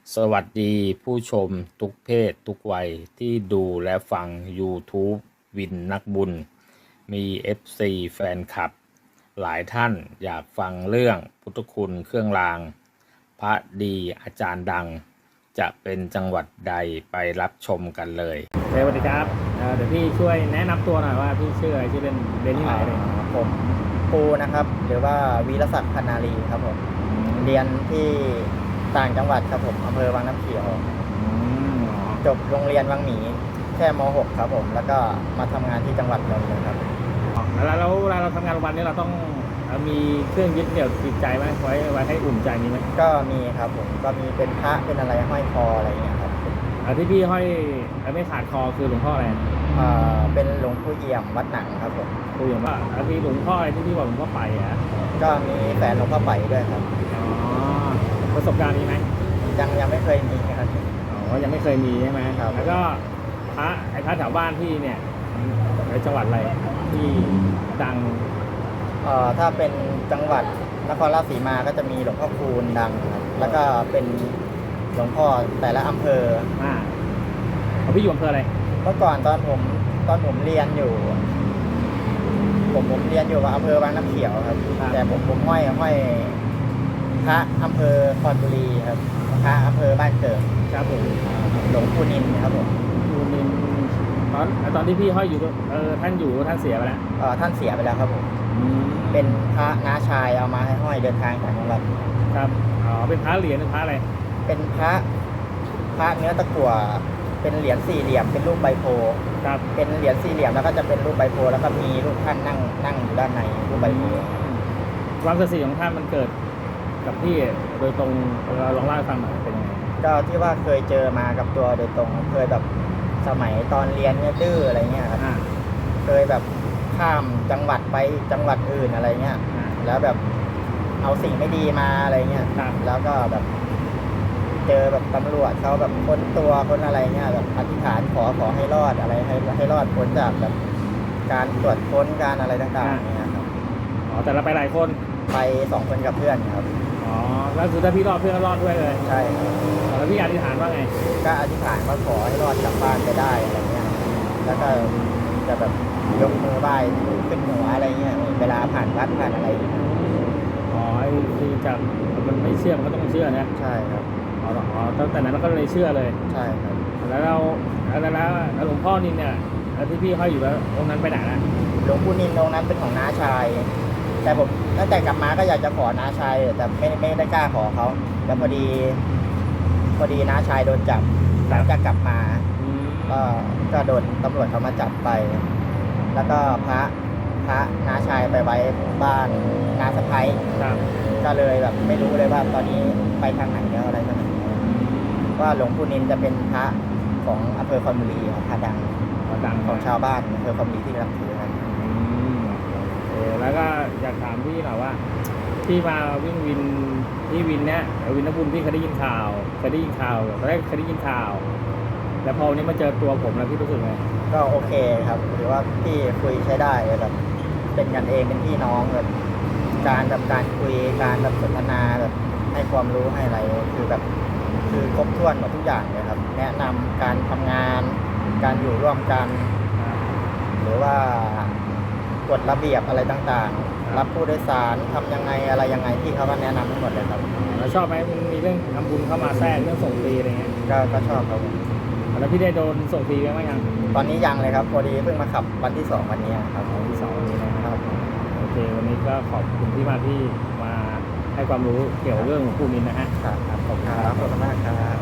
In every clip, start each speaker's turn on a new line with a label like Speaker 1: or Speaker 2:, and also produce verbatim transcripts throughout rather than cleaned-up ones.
Speaker 1: สวัสดีผู้ชมทุกเพศทุกวัยที่ดูและฟัง YouTube วินนักบุญ มี เอฟ ซี แฟนคลับ หลายท่านอยากฟังเรื่องพุทธคุณเครื่องราง พระดีอาจารย์ดัง จะเป็นจังหวัดใดไปรับชมกันเลยสวัสดีครับ เดี๋ยวพี่ช่วยแนะนำตัวหน่อยว่าพี่ชื่ออะไรชื่อเล่นเรียนที่ไหนเลย
Speaker 2: ผมปูนะครับหรือว่าวีรศักดิ์พันนารีครับผมเรียนที่ต่างจังหวัดครับผมอำเภอวังน้ำเขียวจบโรงเรียนวังหมีแค่ม .หก ครับผมแล้วก็มาทำงานที่จังหวัดนนท์เลยครับ
Speaker 1: แล้วแล้วเวลาเราทำงานโรงพยาบาลนี้เราต้องมีเครื่องยึดเหนี่ยวจิตใจไหมไว้ไว้ให้อุ่นใจมีไหม
Speaker 2: ก็มีครับผมก็มีเป็นพระเป็นอะไรห้อยคออะไรอย่างเงี้ยครับ
Speaker 1: ที่พี่ห้อยไม่ขาดคอคือหลวงพ่ออะไร
Speaker 2: อ่าเป็นหลวงปู่เอี่ยมวัดหนังครับผม
Speaker 1: ปู่เอี่ยมว่าที่หลวงพ่ออะไรที่พี่บอกหลวงพ่อไปอ่ะ
Speaker 2: ก็มีแฟนหลวงพ่อไปด้วยครับ
Speaker 1: อ๋อประสบการณ์นี้ไหม
Speaker 2: ยังยังไม่เคยมีครับ
Speaker 1: อ๋อยังไม่เคยมีใช่ไหมครับแล้วก็พระไอ้พระแถวบ้านพี่เนี่ยในจังหวัดอะไรที่ดัง
Speaker 2: เอ่อถ้าเป็นจังหวัดนครราชสีมาก็จะมีหลวงพ่อคูณดังครับแล้วก็เป็นหลวงพ่อแต่ละอำเภอ
Speaker 1: อ่าพี่อยู่อำเภออะไร
Speaker 2: เมื่อก่อนตอนผมตอนผมเรียนอยู่ผมผมเรียนอยู่กับอำเภอวังน้ำเขียวครับแต่ผมผมห้อยห้อยพระอำเภอคอนบุรีครับพระอำเภอบ้านเกิด
Speaker 1: ครับผม
Speaker 2: หลวงปู่นินครับผม
Speaker 1: ปู่นินตอนตอนที่พี่ห้อยอยู่เออท่านอยู่ท่านเสียไปแล้ว
Speaker 2: เออท่านเสียไปแล้วครับผมเป็นพระน้าชายเอามาให้ห้อยเดินทางจากจังหวัด
Speaker 1: ครับอ๋อเป็นพระเหรียญเป็นพระอะไร
Speaker 2: เป็นพระพระเนื้อตะกั่วเป็นเหรียญสี่เหลี่ยมเป็นรูปใบโพ
Speaker 1: ครับ
Speaker 2: เป็นเหรียญสี่เหลี่ยมแล้วก็จะเป็นรูปใบโพแล้วก็มีรูปท่านนั่งนั่งอยู่ด้านในรูปใบโพ
Speaker 1: ความศักดิ์สิทธิ์ของท่านมันเกิดกับพี่โดยตรงเราลองเล่าให้ฟังหน่อยเป็นยังไง
Speaker 2: ก็ที่ว่าเคยเจอมากับตัวโดยตรงเคยแบบสมัยตอนเรียนเนี่ยดื้ออะไรเงี้ยครับเคยแบบข้ามจังหวัดไปจังหวัดอื่นอะไรเงี้ยแล้วแบบเอาสิ่งไม่ดีมาอะไรเงี้ยแล้วก็แบบเจอแบบตำรวจเขาแบบค้นตัวค้นอะไรเงี้ยแบบอธิษฐานขอขอให้รอดอะไรให้ให้รอดพ้นจากแบบการตรวจค้นการอะไรต่างๆเนี่ยครับ
Speaker 1: อ๋อแต่เราไปหลายคน
Speaker 2: ไปสองคนกับเพื่อนครับ
Speaker 1: อ๋อแล้วคือถ้าพี่รอดเพื่อนก็รอดด้วยเลย
Speaker 2: ใช่
Speaker 1: แล้วพี่อธิษฐานว่าไง
Speaker 2: ก็อธิษฐานว่าขอให้รอดกลับบ้านไปได้อะไรเงี้ยแล้วก็จะแบบยกมือไหว้ขึ้นหัวอะไรเงี้ยเวลาผ่านวัดผ่านอะไร
Speaker 1: อ๋อไอ้ที่จะมันไม่เชื่อมันก็ต้องเชื่อนะ
Speaker 2: ใช่ครับ
Speaker 1: อ๋ออ๋อตั้งแต่นั้นก็เลยเชื่อเลย
Speaker 2: ใช่ครับ
Speaker 1: แล้วเราแล้วแล้วหลวงพ่อนินเนี่ยที่พี่ห้อยอยู่แล้วองค์นั้นไปไหนนะ
Speaker 2: หลวงปู่นินองค์นั้นเป็นของน้าชายแต่ผมตั้งแต่กลับมาก็อยากจะขอน้าชายแต่ไม่ไม่ได้กล้าขอเขาแล้วพอดีพอดีน้าชายโดนจับหลังจากกลับมาก็ก็โดนตำรวจเขามาจับไปแล้วก็พระพระน้าชายไปไว้บ้านน้าสะพ้ายก็เลยแบบไม่รู้เลยว่าตอนนี้ไปทางไหนแล้วอะไรกันว่าหลวงปู่นินจะเป็นพระของอำเภอคอนบุรีพระดัง
Speaker 1: ดัง
Speaker 2: ของชาวบ้านอำเภอคอนบุรีที่รับถือกัน
Speaker 1: แล้วก็อยากถามพี่หน่อยว่าที่มาวิ่งวินที่วินเนี้ยวินนักบุญพี่เคยได้ยินข่าวเคยได้ยินข่าวตอนแรกเคยได้ยินข่าวแล้วพอวันนี้มาเจอตัวผมแล้วพี่รู้สึกไง
Speaker 2: ก็โอเคครับหรือว่าพี่คุยใช้ได้แบบเป็นกันเองเป็นพี่น้องแบบการแบบการคุยการแบบสนทนาแบบให้ความรู้ให้อะไรคือแบบคือครบถ้วนหมดทุกอย่างเลยครับแนะนำการทำงานการอยู่ร่วมกันหรือว่ากฎระเบียบอะไรต่างๆรับผู้โดยสารทำยังไงอะไรยังไงที่เขาก็แนะนำทั้งหมดเลยครับ
Speaker 1: แล้วชอบไหมมีเรื่องทำบุญเข้ามาแทรกเรื่องส่งฟรีอะไรเงี้ย
Speaker 2: ก็ก็ชอบครับ
Speaker 1: แล้วพี่ได้โดนส่งฟรีไหมยัง
Speaker 2: ตอนนี้ยังเลยครับพอดีเพิ่งมาขับวันที่สองวันนี้ครับ
Speaker 1: วันที่สองวันนี้นะครับโอเควันนี้ก็ขอบคุณที่มาที่มาให้ความรู้เกี่ยวเรื่องของผู้นินนะฮะ
Speaker 2: ครับขอบคุณครับขอบคุณมากครับ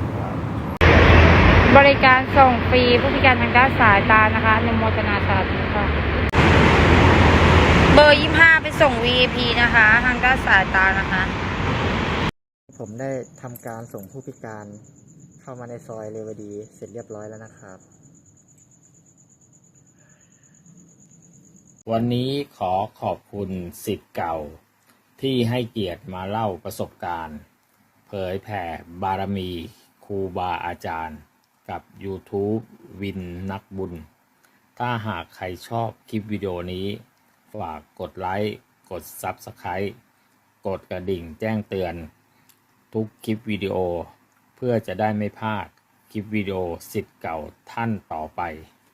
Speaker 3: บริการส่งฟรีผู้พิการทางด้านสายตานะคะอนุโมทนาสาธุค่ะเบอร์ยี่ห้าไปส่ง วี ไอ พี นะคะทางด้านสายตานะคะ
Speaker 2: ผมได้ทำการส่งผู้พิการเข้ามาในซอยเรวดีเสร็จเรียบร้อยแล้วนะครับ
Speaker 1: วันนี้ขอขอบคุณศิษย์เก่าที่ให้เกียรติมาเล่าประสบการณ์เผยแผ่บารมีครูบาอาจารย์กับ YouTube วินนักบุญถ้าหากใครชอบคลิปวิดีโอนี้ฝากกดไลค์กด ซับสไครบ์ กดกระดิ่งแจ้งเตือนทุกคลิปวิดีโอเพื่อจะได้ไม่พลาดคลิปวิดีโอสิทธิ์เก่าท่านต่อไป